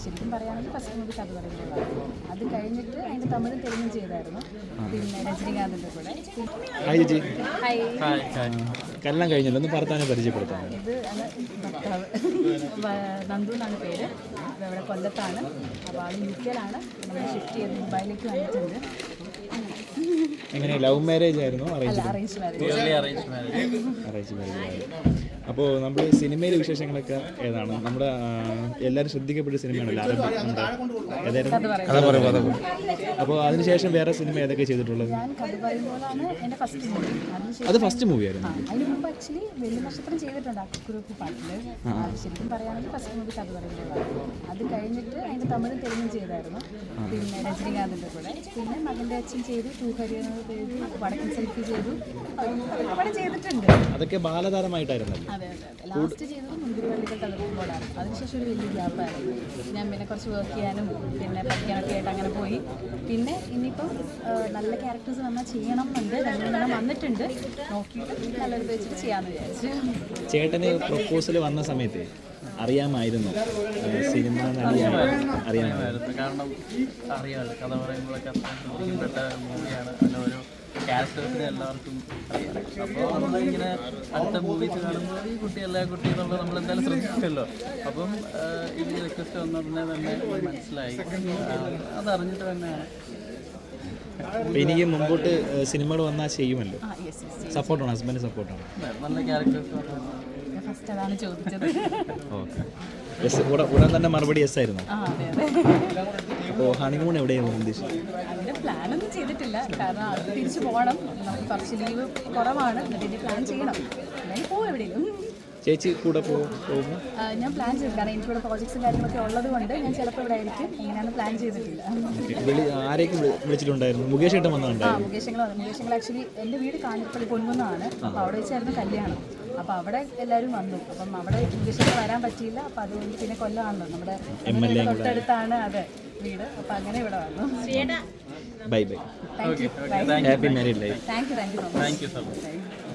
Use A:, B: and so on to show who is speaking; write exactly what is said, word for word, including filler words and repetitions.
A: ശരിക്കും പറയുകയാണെങ്കിൽ first movie കഥ പറയുമ്പോഴാണ്. അത് കഴിഞ്ഞിട്ട് അതിൻ്റെ തമിഴും തെലുങ്കും ചെയ്തായിരുന്നു. പിന്നെ രജനീകാന്തിൻ്റെ കൂടെ.
B: ഹായ് ചേച്ചി.
A: ഹായ്.
B: കല്യാണം കഴിഞ്ഞല്ലോ, ഒന്ന് ഭർത്താവിനെ പരിചയപ്പെടുത്താം.
A: ഇത് ആണ് ഭർത്താവ്, നന്ദു എന്നാണ് പേര്. ഇവിടെ കൊല്ലത്താണ്. അപ്പോൾ ആൾ യു കെയിലാണ്. നമ്മൾ ഷിഫ്റ്റ് ചെയ്ത് ദുബായിലേക്ക് വന്നിട്ടുണ്ട്.
B: എങ്ങനെ ലവ് മാരേജ് ആയിരുന്നു?
A: അല്ല, അറേഞ്ച് മാരേജ്.
B: Arrange marriage. അപ്പോൾ നമ്മുടെ സിനിമയിലെ വിശേഷങ്ങളൊക്കെ ഏതാണ്? നമ്മുടെ എല്ലാവരും ശ്രദ്ധിക്കപ്പെട്ട സിനിമയാണല്ലോ ഏതായിരുന്നു? അപ്പോൾ അതിനുശേഷം വേറെ സിനിമ ഏതൊക്കെ ചെയ്തിട്ടുള്ളത്?
A: ഞാൻ കഥ പറയുമ്പോഴാണ് എൻ്റെ ഫസ്റ്റ് മൂവി.
B: അത് ഫസ്റ്റ് മൂവി ആയിരുന്നു.
A: അതിന് മുമ്പ് ആക്ച്വലി വലിയ നക്ഷത്രം ചെയ്തിട്ടുണ്ട് അക്കുറുപ്പ് പാട്ടിൽ. ശരിക്കും പറയുകയാണെങ്കിൽ ഫസ്റ്റ് മൂവി കഥ പറയുമ്പോഴാണ്. അത് കഴിഞ്ഞിട്ട് അതിൻ്റെ തമിഴും തെലുങ്കും ചെയ്തായിരുന്നു. പിന്നെ രജനീകാന്തിൻ്റെ കൂടെ. പിന്നെ മകൻ്റെ അച്ഛൻ ചെയ്തു, ടൂഹരി ചെയ്തു, വടക്കൻ സെൽഫി ചെയ്തു. അതൊക്കെ പടം ചെയ്തിട്ടുണ്ട്.
B: അതൊക്കെ ബാലതാരമായിട്ടായിരുന്നു.
A: അതെ അതെ അതെ. ലാസ്റ്റ് ചെയ്തത് മുന്തിരിവള്ളികൾ തളിർക്കുമ്പോഴാണ്. അതിനുശേഷം ഒരു വലിയ ഗ്യാപ്പായിരുന്നു. ഞാൻ പിന്നെ കുറച്ച് വർക്ക് ചെയ്യാനും പിന്നെ പഠിക്കാനൊക്കെ ആയിട്ട് അങ്ങനെ പോയി. പിന്നെ ഇനിയിപ്പം നല്ല ക്യാരക്ടേഴ്സ് വന്നാൽ ചെയ്യണം എന്നുണ്ട്. രണ്ടെണ്ണം വന്നിട്ടുണ്ട്. നോക്കിയിട്ട് നല്ലൊരു വെച്ചിട്ട് ചെയ്യാമെന്ന് വിചാരിച്ചു.
B: ചേട്ടന് പ്രൊപ്പോസൽ വന്ന സമയത്ത് അറിയാമായിരുന്നു സിനിമ അറിയാമായിരുന്നു?
C: കാരണം അറിയാമല്ലോ, കഥ പറയുമ്പോഴൊക്കെ ശ്രദ്ധിക്കപ്പെട്ട മൂവിയാണ്. അതിൻ്റെ ഓരോ ക്യാരക്ടേഴ്സിനെ എല്ലാവർക്കും അറിയാം. അപ്പോൾ നമ്മളിങ്ങനെ അടുത്ത മൂവീസ് കാണുമ്പോൾ ഈ കുട്ടി എല്ലാ കുട്ടി എന്നുള്ളത് നമ്മളെന്തായാലും ശ്രദ്ധിച്ചല്ലോ. അപ്പം ഈ റിക്വസ്റ്റ് വന്ന ഉടനെ തന്നെ മനസ്സിലായി. അതറിഞ്ഞിട്ട് തന്നെയാണ്.
B: അപ്പോൾ എനിക്ക് മുമ്പോട്ട് സിനിമകൾ വന്നാൽ ചെയ്യുമല്ലോ. സപ്പോർട്ടാണ്, ഹസ്ബൻഡ് സപ്പോർട്ടാണ്.
C: നല്ല ക്യാരക്ടേഴ്സ്
A: ഫസ്റ്റ് അതാണ് ചോദിച്ചത്.
B: ഓക്കെ. യെസ്, ഉടൻ തന്നെ മറുപടി യെസ് ആയിരുന്നു.
A: ആ അതെ അതെ.
B: അപ്പോൾ ഹണിമൂൺ എവിടെയാണ് ഉദ്ദേശിച്ചത്?
A: അതിൻ്റെ പ്ലാനൊന്നും ചെയ്തിട്ടില്ല. കാരണം അത് തിരിച്ചു പോകണം. നമുക്ക് കുറച്ച് ലീവ് കുറവാണ്. എന്നിട്ട് പ്ലാൻ ചെയ്യണം. അല്ലെങ്കിൽ പോകും എവിടെയെങ്കിലും.
B: ചേച്ചി കൂടെ പോകുമ്പോൾ
A: ഞാൻ പ്ലാൻ ചെയ്തു. കാരണം എനിക്കിവിടെ പ്രോജക്ട്സും കാര്യങ്ങളൊക്കെ ഉള്ളത് കൊണ്ട് ഞാൻ ചിലപ്പോൾ ഇവിടെ ആയിരിക്കും. എങ്ങനെയാണ് പ്ലാൻ ചെയ്തിട്ടില്ല.
B: ആരെയൊക്കെ വിളിച്ചിട്ടുണ്ടായിരുന്നു? മുകേഷ് ഏട്ടൻ വന്നിട്ടുണ്ടായിരുന്നു.
A: ആ മുകേഷങ്ങൾ വന്നു. മുകേഷങ്ങൾ ആക്ച്വലി എൻ്റെ വീട് കാഞ്ഞിരപ്പള്ളി പൊൻകുന്നമാണ്. അപ്പോൾ അവിടെ വെച്ചായിരുന്നു കല്യാണം. അപ്പോൾ അവിടെ എല്ലാവരും വന്നു. അപ്പം അവിടെ മുകേഷങ്ങൾ വരാൻ പറ്റിയില്ല. അപ്പം അതുകൊണ്ട് പിന്നെ കൊല്ലമാണല്ലോ നമ്മുടെ തൊട്ടടുത്താണ് അതെ വീട്. അപ്പം അങ്ങനെ ഇവിടെ വന്നു.
B: Bye bye.
A: Thank you.
B: Happy married life.
A: Thank you thank you so much.
C: Thank you so much.